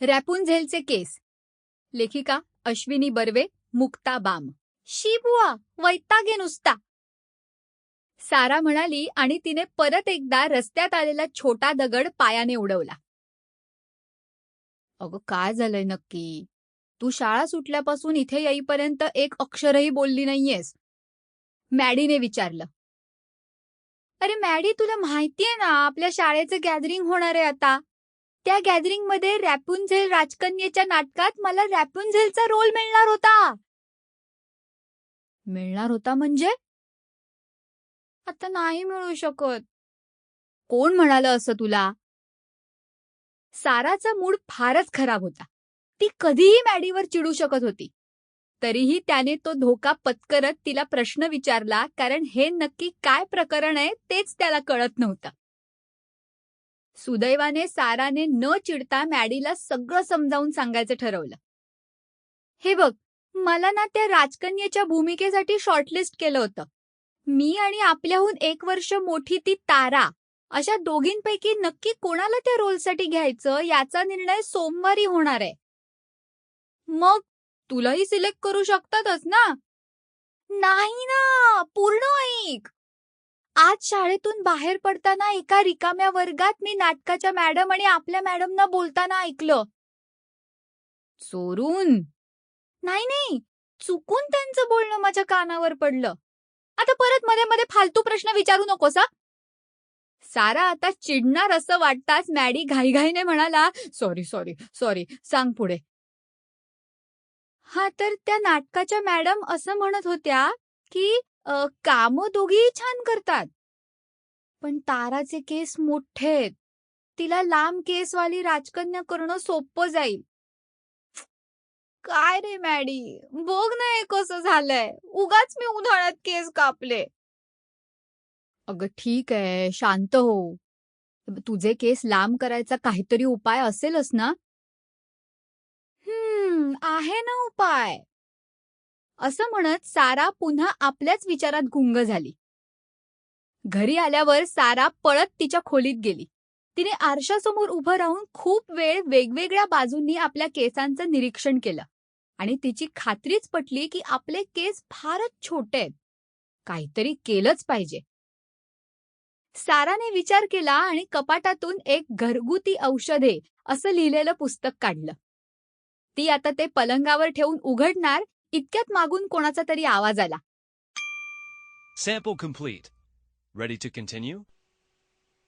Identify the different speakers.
Speaker 1: रॅपुंझेलचे केस. लेखिका अश्विनी बर्वे, मुक्ता बाम. शी बुवा, वैतागे नुसता. सारा म्हणाली आणि तिने परत एकदा रस्त्यात आलेला छोटा दगड पायाने उडवला. अगं काय झालंय नक्की? तू शाळा सुटल्यापासून इथे येईपर्यंत एक अक्षरही बोलली नाहीयेस. मॅडीने विचारलं. अरे मॅडी, तुला माहितीये ना आपल्या शाळेचं गॅदरिंग होणार आहे आता. त्या गॅदरिंगमध्ये रॅपुंझेल राजकन्येच्या नाटकात मला रॅपुंझेलचा रोल मिळणार होता. मिळणार होता म्हणजे? आता नाही मिळू शकत. कोण म्हणालं असं तुला? साराचा मूड फारच खराब होता. ती कधीही मॅडीवर चिडू शकत होती. तरीही त्याने तो धोका पत्करत तिला प्रश्न विचारला, कारण हे नक्की काय प्रकरण आहे तेच त्याला कळत नव्हतं. सुदैवाने साराने न चिडता मॅडीला सगळं समजावून सांगायचं ठरवलं. हे बघ, मला ना त्या राजकन्येच्या भूमिकेसाठी शॉर्टलिस्ट केलं होतं. मी आणि आपल्याहून 1 वर्ष मोठी ती तारा, अशा दोघींपैकी नक्की कोणाला त्या रोलसाठी घ्यायचं याचा निर्णय सोमवारी होणार आहे. मग तुलाही सिलेक्ट करू शकतातच ना? नाही ना, पूर्ण ऐक. आज शाळेतून बाहेर पडताना एका रिकाम्या वर्गात मी नाटकाच्या मॅडम आणि आपल्या मॅडमना बोलताना ऐकलं. चोरून? नाही नाही, चुकून त्यांचं बोलणं माझ्या कानावर पडलं. आता परत मध्ये मध्ये फालतू प्रश्न विचारू नकोस हा. सारा आता चिडणार असं वाटताच मॅडी घाईघाईने म्हणाला, सॉरी सॉरी सॉरी, सांग पुढे. हा, तर त्या नाटकाच्या मॅडम असं म्हणत होत्या की कामं दोघीही छान करतात, पण ताराचे केस मोठेत. तिला लांब केसवाली राजकन्या करणं सोपं जाईल. काय रे मॅडी, बघ ना हे कसं झालंय. उगाच मी उन्हाळ्यात केस कापले. अगं ठीक आहे, शांत हो. तुझे केस लांब करायचा काहीतरी उपाय असेलच ना? आहे ना उपाय. असं म्हणत सारा पुन्हा आपल्याच विचारात गुंग झाली. घरी आल्यावर सारा पळत तिच्या खोलीत गेली. तिने आरशासमोर उभं राहून खूप वेळ वेगवेगळ्या बाजूंनी आपल्या केसांचं निरीक्षण केलं आणि तिची खात्रीच पटली की आपले केस फारच छोटे आहेत. काहीतरी केलंच पाहिजे. साराने विचार केला आणि कपाटातून एक घरगुती औषधे असं लिहिलेलं पुस्तक काढलं. ती आता ते पलंगावर ठेवून उघडणार इतक्यात मागून कोणाचा तरी आवाज आला.
Speaker 2: Sample complete. Ready to continue?